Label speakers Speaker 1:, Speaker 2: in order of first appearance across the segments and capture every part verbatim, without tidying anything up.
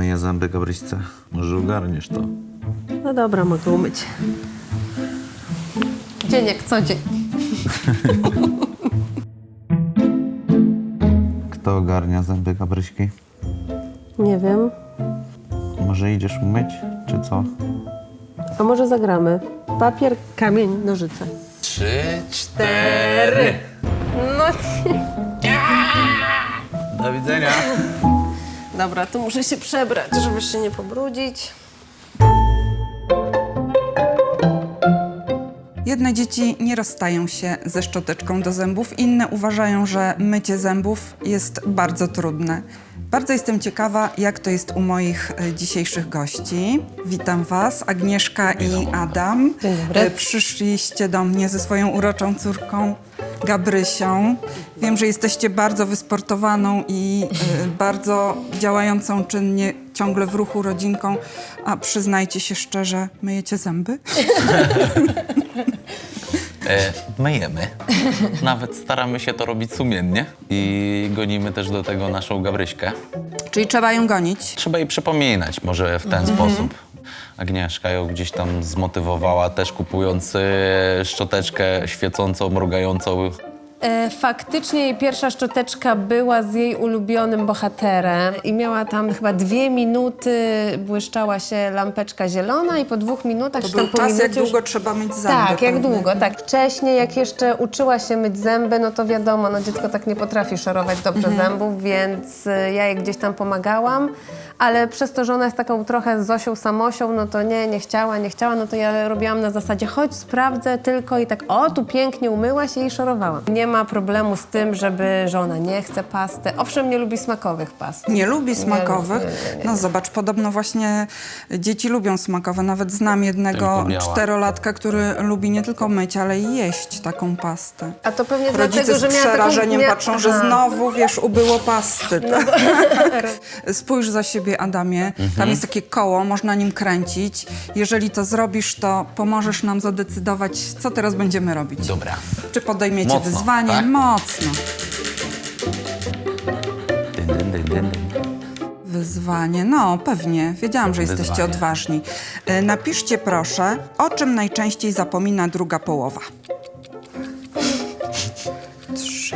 Speaker 1: myję zęby Gabryśce. Może ogarniesz to.
Speaker 2: No dobra, mogę umyć. Dzień jak co dzień.
Speaker 1: Kto ogarnia zęby Gabryśki?
Speaker 2: Nie wiem.
Speaker 1: Może idziesz umyć, czy co?
Speaker 2: A może zagramy? Papier, kamień, nożyce.
Speaker 3: Trzy, cztery.
Speaker 2: No
Speaker 1: Do widzenia.
Speaker 2: dobra, to muszę się przebrać, żeby się nie pobrudzić.
Speaker 4: Jedne dzieci nie rozstają się ze szczoteczką do zębów, inne uważają, że mycie zębów jest bardzo trudne. Bardzo jestem ciekawa, jak to jest u moich e, dzisiejszych gości. Witam was, Agnieszka i Adam.
Speaker 2: Dzień dobry.
Speaker 4: E, Przyszliście do mnie ze swoją uroczą córką Gabrysią. Wiem, że jesteście bardzo wysportowaną i e, bardzo działającą czynnie, ciągle w ruchu rodzinką. A przyznajcie się szczerze, myjecie zęby?
Speaker 3: E, myjemy. Nawet staramy się to robić sumiennie i gonimy też do tego naszą Gabryśkę.
Speaker 4: Czyli trzeba ją gonić.
Speaker 3: Trzeba jej przypominać może w ten sposób. Agnieszka ją gdzieś tam zmotywowała też kupując e, szczoteczkę świecącą, mrugającą.
Speaker 2: E, faktycznie jej pierwsza szczoteczka była z jej ulubionym bohaterem i miała tam chyba dwie minuty, błyszczała się lampeczka zielona i po dwóch minutach...
Speaker 4: To
Speaker 2: czy tam
Speaker 4: był
Speaker 2: po
Speaker 4: czas, jak
Speaker 2: minucie już-
Speaker 4: długo trzeba myć zęby.
Speaker 2: Tak, jak
Speaker 4: pewnie.
Speaker 2: długo, tak. Wcześniej, jak jeszcze uczyła się myć zęby, no to wiadomo, no dziecko tak nie potrafi szorować dobrze zębów, więc y, ja jej gdzieś tam pomagałam, ale przez to, że ona jest taką trochę Zosią Samosią, no to nie, nie chciała, nie chciała, no to ja robiłam na zasadzie, chodź, sprawdzę tylko i tak, o, tu pięknie umyłaś i jej szorowałam. Nie ma problemu z tym, żeby, że ona nie chce pasty. Owszem, nie lubi smakowych past.
Speaker 4: Nie lubi smakowych?
Speaker 2: nie, nie, nie.
Speaker 4: No zobacz, podobno właśnie dzieci lubią smakowe. Nawet znam jednego
Speaker 3: Tylko biała.
Speaker 4: czterolatka, który lubi nie tylko myć, ale i jeść taką pastę.
Speaker 2: A to pewnie
Speaker 4: Rodzice
Speaker 2: dlatego, że
Speaker 4: z
Speaker 2: miała taką...
Speaker 4: przerażeniem
Speaker 2: mia-
Speaker 4: patrzą, że
Speaker 2: Aha.
Speaker 4: znowu, wiesz, ubyło pasty. Tak? Spójrz za siebie, Adamie. Tam jest takie koło, można nim kręcić. Jeżeli to zrobisz, to pomożesz nam zadecydować, co teraz będziemy robić.
Speaker 3: Dobra.
Speaker 4: Czy podejmiecie
Speaker 3: Mocno,
Speaker 4: wyzwanie?
Speaker 3: tak?
Speaker 4: Mocno.
Speaker 3: Dyn, dyn, dyn, dyn.
Speaker 4: Wyzwanie, no pewnie. Wiedziałam, że jesteście
Speaker 3: Wyzwanie.
Speaker 4: odważni. E, napiszcie proszę, o czym najczęściej zapomina druga połowa. Trzy.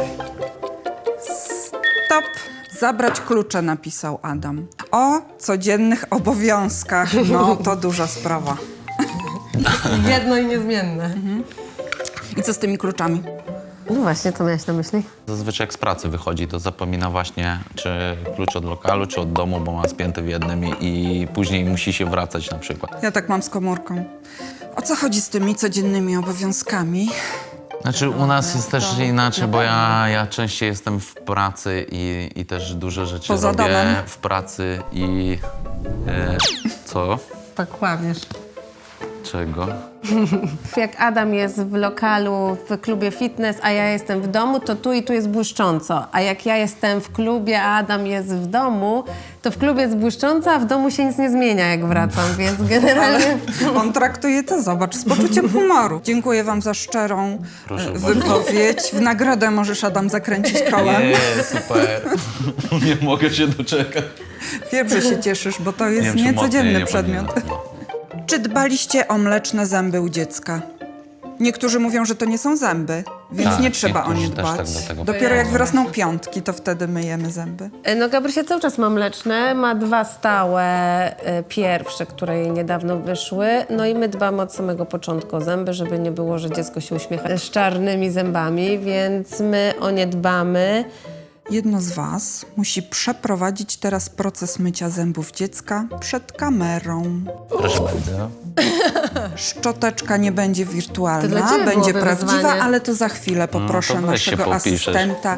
Speaker 4: Stop. Zabrać klucze, napisał Adam. O codziennych obowiązkach. No, to duża sprawa.
Speaker 2: Jedno i niezmienne.
Speaker 4: I co z tymi kluczami?
Speaker 2: No właśnie, co miałaś na myśli?
Speaker 3: Zazwyczaj jak z pracy wychodzi, to zapomina właśnie, czy klucz od lokalu, czy od domu, bo ma spięty w jednym i, i później musi się wracać na przykład.
Speaker 4: Ja tak mam z komórką. O co chodzi z tymi codziennymi obowiązkami?
Speaker 3: Znaczy u nas jest też inaczej, bo ja, ja częściej jestem w pracy i, i też duże rzeczy
Speaker 4: Poza
Speaker 3: robię
Speaker 4: domem?
Speaker 3: w pracy i... E, co?
Speaker 2: Tak kłamiesz.
Speaker 3: Czego?
Speaker 2: Jak Adam jest w lokalu, w klubie fitness, a ja jestem w domu, to tu i tu jest błyszcząco. A jak ja jestem w klubie, a Adam jest w domu, to w klubie jest błyszcząco, a w domu się nic nie zmienia, jak wracam, więc generalnie...
Speaker 4: On traktuje to, zobacz, z poczuciem humoru. Dziękuję wam za szczerą
Speaker 3: Proszę
Speaker 4: e,
Speaker 3: bardzo.
Speaker 4: wypowiedź. W nagrodę możesz, Adam, zakręcić kołem.
Speaker 3: Nie, super. Nie mogę się doczekać.
Speaker 4: Wiem, że się cieszysz, bo to jest
Speaker 3: wiem, czy
Speaker 4: niecodzienny
Speaker 3: mocniej nie
Speaker 4: przedmiot.
Speaker 3: powinienem.
Speaker 4: Czy dbaliście o mleczne zęby u dziecka? Niektórzy mówią, że to nie są zęby, więc
Speaker 3: Tak,
Speaker 4: nie trzeba o nie
Speaker 3: niektórzy też
Speaker 4: dbać.
Speaker 3: tak do tego
Speaker 4: Dopiero jak
Speaker 3: podchodzą.
Speaker 4: wyrosną piątki, to wtedy myjemy zęby.
Speaker 2: No Gabrysia cały czas ma mleczne, ma dwa stałe, e, pierwsze, które jej niedawno wyszły. No i my dbamy od samego początku o zęby, żeby nie było, że dziecko się uśmiecha z czarnymi zębami, więc my o nie dbamy.
Speaker 4: Jedno z was musi przeprowadzić teraz proces mycia zębów dziecka przed kamerą.
Speaker 3: Proszę bardzo.
Speaker 4: Szczoteczka nie będzie
Speaker 2: To
Speaker 4: wirtualna,
Speaker 2: dla ciebie
Speaker 4: będzie
Speaker 2: byłoby
Speaker 4: prawdziwa,
Speaker 2: wyzwanie.
Speaker 4: ale to za chwilę poproszę
Speaker 3: No to weź się
Speaker 4: naszego
Speaker 3: popiszesz.
Speaker 4: asystenta.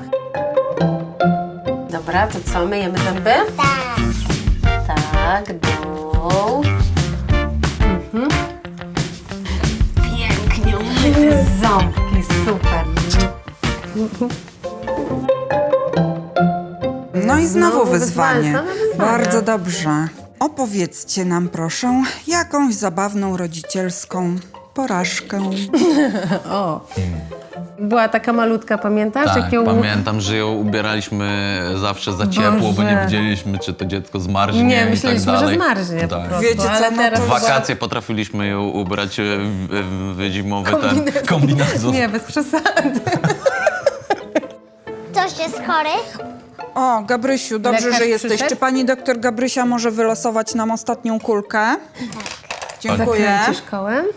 Speaker 2: Dobra, to co, myjemy zęby? Tak. Tak, dół. Mhm. Pięknie umyte ząbki, super.
Speaker 4: No i znowu
Speaker 2: Znowu
Speaker 4: wyzwanie.
Speaker 2: wyzwanie, same wyzwania.
Speaker 4: Bardzo dobrze. Opowiedzcie nam proszę jakąś zabawną rodzicielską porażkę.
Speaker 2: O. Była taka malutka, pamiętasz?
Speaker 3: Tak,
Speaker 2: Jak ją...
Speaker 3: pamiętam, że ją ubieraliśmy zawsze za ciepło, bo nie
Speaker 2: Boże.
Speaker 3: wiedzieliśmy, czy to dziecko zmarznie
Speaker 2: Nie,
Speaker 3: i tak
Speaker 2: myśleliśmy,
Speaker 3: dalej.
Speaker 2: że zmarznie po
Speaker 3: Tak.
Speaker 2: prostu.
Speaker 4: Wiecie co,
Speaker 2: ale
Speaker 4: no
Speaker 2: teraz
Speaker 4: to-
Speaker 3: W wakacje potrafiliśmy ją ubrać w, w, w zimowy ten kombinezon.
Speaker 2: Nie, bez przesady.
Speaker 5: Ktoś jest chory?
Speaker 4: O, Gabrysiu, dobrze,
Speaker 2: Lekarz
Speaker 4: że jesteś.
Speaker 2: przyszedł?
Speaker 4: Czy pani doktor Gabrysia może wylosować nam ostatnią kulkę? Dziękuję.
Speaker 2: Zakręcisz kołem.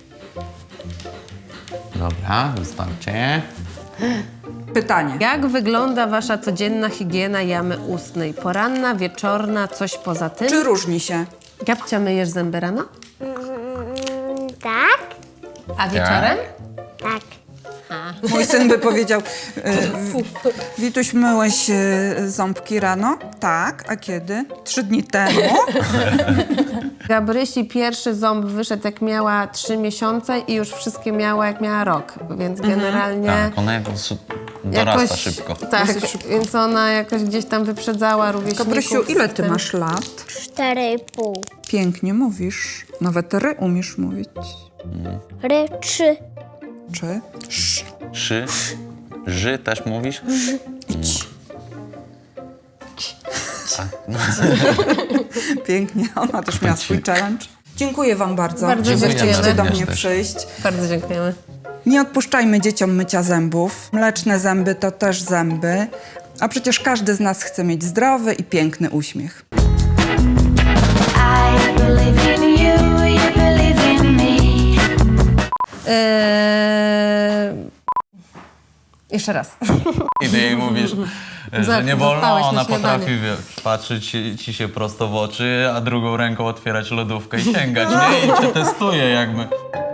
Speaker 3: Dobra, wystarczy.
Speaker 4: Pytanie.
Speaker 2: Jak wygląda wasza codzienna higiena jamy ustnej? Poranna, wieczorna, coś poza tym?
Speaker 4: Czy różni się?
Speaker 2: Gabcia, myjesz zęby rano?
Speaker 5: Mm, tak?
Speaker 2: A wieczorem?
Speaker 5: Tak.
Speaker 4: Mój syn by powiedział, e, w- Wituś, myłeś e, ząbki rano? Tak. A kiedy? Trzy dni temu.
Speaker 2: Gabrysi pierwszy ząb wyszedł jak miała trzy miesiące i już wszystkie miała jak miała rok, więc generalnie...
Speaker 3: Tak, ona jakoś dorasta
Speaker 2: jakoś-
Speaker 3: szybko.
Speaker 2: Tak, więc ona jakoś gdzieś tam wyprzedzała rówieśników.
Speaker 4: Gabrysiu, ile
Speaker 2: z
Speaker 4: ty
Speaker 2: tym.
Speaker 4: masz lat?
Speaker 5: Cztery i pół.
Speaker 4: Pięknie mówisz. Nawet ry umiesz mówić.
Speaker 5: Ry, trzy.
Speaker 4: Czy? Sz.
Speaker 3: Szy? Ży też mówisz?
Speaker 4: Pięknie. Ona też miała swój challenge. Dziękuję wam bardzo,
Speaker 2: Bardzo
Speaker 4: że
Speaker 2: dziękujemy.
Speaker 4: zechcieliście do
Speaker 3: Również
Speaker 4: mnie
Speaker 3: też.
Speaker 4: przyjść.
Speaker 2: Bardzo dziękujemy.
Speaker 4: Nie odpuszczajmy dzieciom mycia zębów. Mleczne zęby to też zęby. A przecież każdy z nas chce mieć zdrowy i piękny uśmiech.
Speaker 6: I believe in you, you believe in me.
Speaker 2: Eee... Jeszcze raz.
Speaker 3: I ty jej mówisz, że
Speaker 2: Za-
Speaker 3: nie wolno,
Speaker 2: zostałeś
Speaker 3: a
Speaker 2: na
Speaker 3: ona
Speaker 2: śniadanie.
Speaker 3: potrafi wiesz, patrzeć ci, ci się prosto w oczy, a drugą ręką otwierać lodówkę i sięgać, nie? I cię testuje jakby.